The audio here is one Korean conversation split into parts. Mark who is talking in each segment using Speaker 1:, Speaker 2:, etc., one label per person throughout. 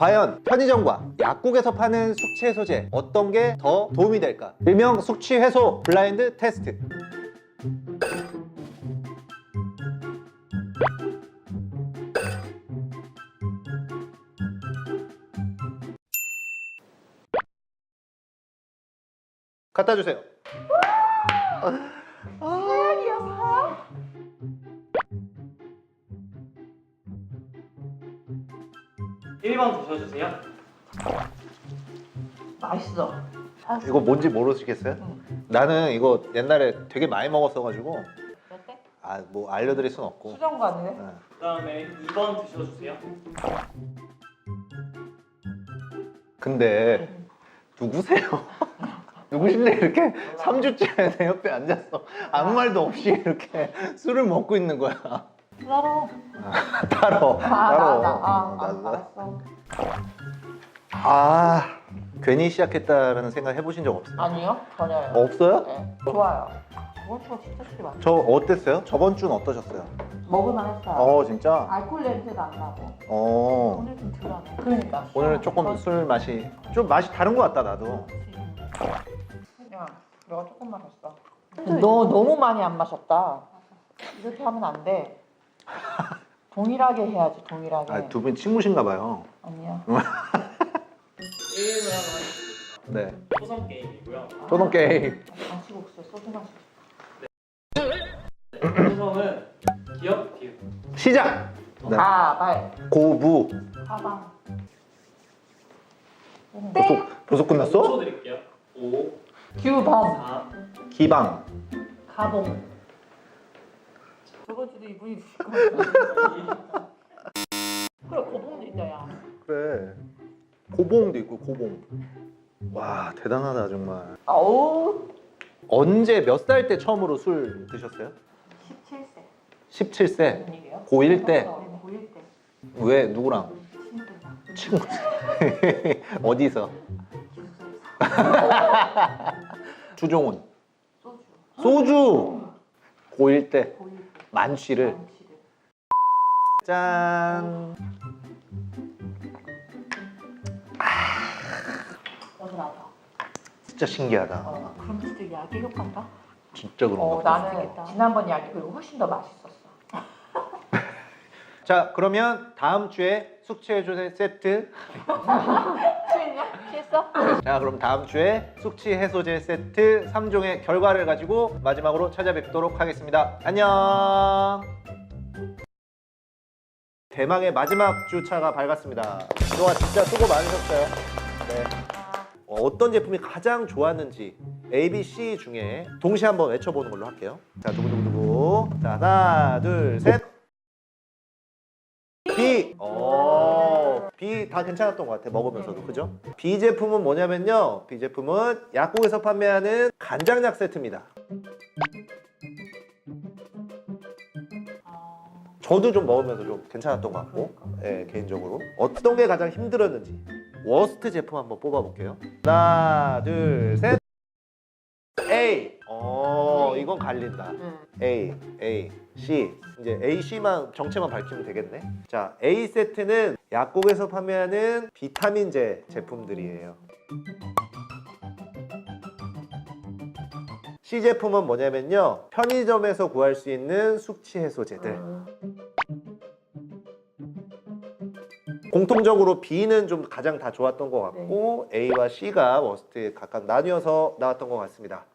Speaker 1: 과연 편의점과 약국에서 파는 숙취 해소제 어떤 게 더 도움이 될까? 일명 숙취 해소 블라인드 테스트. 갖다 주세요.
Speaker 2: 일번 드셔주세요.
Speaker 3: 맛있어.
Speaker 1: 이거 뭔지 모르시겠어요? 나는 이거 옛날에 되게 많이 먹었어가지고
Speaker 3: 몇 대?
Speaker 1: 뭐 알려드릴 순 없고.
Speaker 3: 수정관이네.
Speaker 1: 네.
Speaker 2: 그 다음에 2번 드셔주세요.
Speaker 1: 근데 누구세요? 누구신데 이렇게 3주째 내 옆에 앉았어. 아무 말도 없이 이렇게 술을 먹고 있는 거야.
Speaker 3: 따로.
Speaker 1: 따로.
Speaker 3: 알았어.
Speaker 1: 괜히 시작했다라는 생각 해보신 적 없어요?
Speaker 3: 아니요, 전혀요.
Speaker 1: 없어요?
Speaker 3: 네, 좋아요. 저번 주가 진짜 술이 많아.
Speaker 1: 저 어땠어요? 저번 주는 어떠셨어요?
Speaker 3: 먹을만 했어요.
Speaker 1: 진짜?
Speaker 3: 알코올 냄새도 안 나고.
Speaker 1: 어.
Speaker 3: 오늘 좀 덜하네. 그러니까.
Speaker 1: 오늘은 조금 술 맛이 좀 맛이 다른 것 같다 나도.
Speaker 3: 야, 내가 조금 마셨어. 너 너무 많이 안 마셨다. 이렇게 하면 안 돼. 동일하게 해야지, 동일하게.
Speaker 1: 두 분 친구신가 봐요.
Speaker 3: 아니야.
Speaker 2: 1을 하나
Speaker 1: 네.
Speaker 2: 초성 게임이고요.
Speaker 1: 초동 게임.
Speaker 3: 안치국수에 소주 마시고.
Speaker 2: 초성은 기억, 기억.
Speaker 1: 시작. 네.
Speaker 3: 발.
Speaker 1: 고부.
Speaker 3: 가방.
Speaker 1: 벌써
Speaker 2: 5초
Speaker 1: 끝났어?
Speaker 2: 드릴게요. 5,
Speaker 3: 규범.
Speaker 2: 4,
Speaker 1: 기방.
Speaker 3: 가봉. 저번 주도 이분이 드실 거야. 그래, 고봉도 있다, 야.
Speaker 1: 그래. 고봉도 있고 고봉. 와 대단하다 정말.
Speaker 3: 아우.
Speaker 1: 언제 몇 살 때 처음으로 술 드셨어요?
Speaker 3: 17세.
Speaker 1: 17세.
Speaker 3: 무슨 일이에요?
Speaker 1: 고1 때.
Speaker 3: 고1 때.
Speaker 1: 왜 누구랑?
Speaker 3: 친구랑.
Speaker 1: 친구. 어디서? 주종훈.
Speaker 3: 소주.
Speaker 1: 소주. 고1 때
Speaker 3: 고1 때.
Speaker 1: 만취를.
Speaker 3: 만취를.
Speaker 1: 짠.
Speaker 3: 어디라다.
Speaker 1: 진짜 신기하다.
Speaker 3: 그럼 진짜 약의 효과인가?
Speaker 1: 진짜 그런 거.
Speaker 3: 나는 지난번 약이 그리고 훨씬 더 맛있었어.
Speaker 1: 자 그러면 다음 주에 숙취해소제 세트.
Speaker 3: 취했냐? 취했어?
Speaker 1: 자 그럼 다음 주에 숙취 해소제 세트 3종의 결과를 가지고 마지막으로 찾아뵙도록 하겠습니다. 안녕. 대망의 마지막 주차가 밝았습니다. 그동안 진짜 수고 많으셨어요. 네. 어떤 제품이 가장 좋았는지 A, B, C 중에 동시에 한번 외쳐보는 걸로 할게요. 자 두구두구두구. 자 하나 둘 셋. B. B 다 괜찮았던 것 같아. 먹으면서도 그죠? B 제품은 뭐냐면요. B 제품은 약국에서 판매하는 간장약 세트입니다. 저도 좀 먹으면서 좀 괜찮았던 것 같고, 예, 개인적으로 어떤 게 가장 힘들었는지 워스트 제품 한번 뽑아볼게요. 하나, 둘, 셋. A. 이건 갈린다. A, C. 이제 A, C만 정체만 밝히면 되겠네. 자, A 세트는 약국에서 판매하는 비타민제 제품들이에요. C 제품은 뭐냐면요. 편의점에서 구할 수 있는 숙취 해소제들. 공통적으로 B는 좀 가장 다 좋았던 것 같고 A와 C가 워스트에 각각 나뉘어서 나왔던 것 같습니다.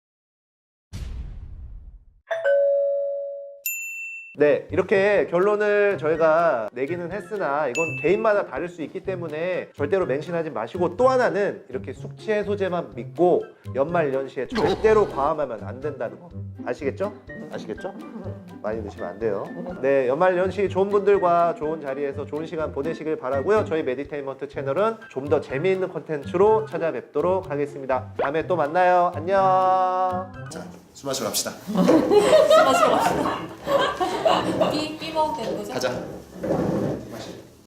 Speaker 1: 네, 이렇게 결론을 저희가 내기는 했으나 이건 개인마다 다를 수 있기 때문에 절대로 맹신하지 마시고, 또 하나는 이렇게 숙취 해소제만 믿고 연말연시에 절대로 과음하면 안 된다는 거 아시겠죠? 아시겠죠? 많이 드시면 안 돼요. 네, 연말연시 좋은 분들과 좋은 자리에서 좋은 시간 보내시길 바라고요. 저희 메디테인먼트 채널은 좀 더 재미있는 콘텐츠로 찾아뵙도록 하겠습니다. 다음에 또 만나요. 안녕.
Speaker 4: 자, 술 마시러 갑시다.
Speaker 5: 술 마시러 갑시다. 삐 먹으면 되는 거죠?
Speaker 4: 가자.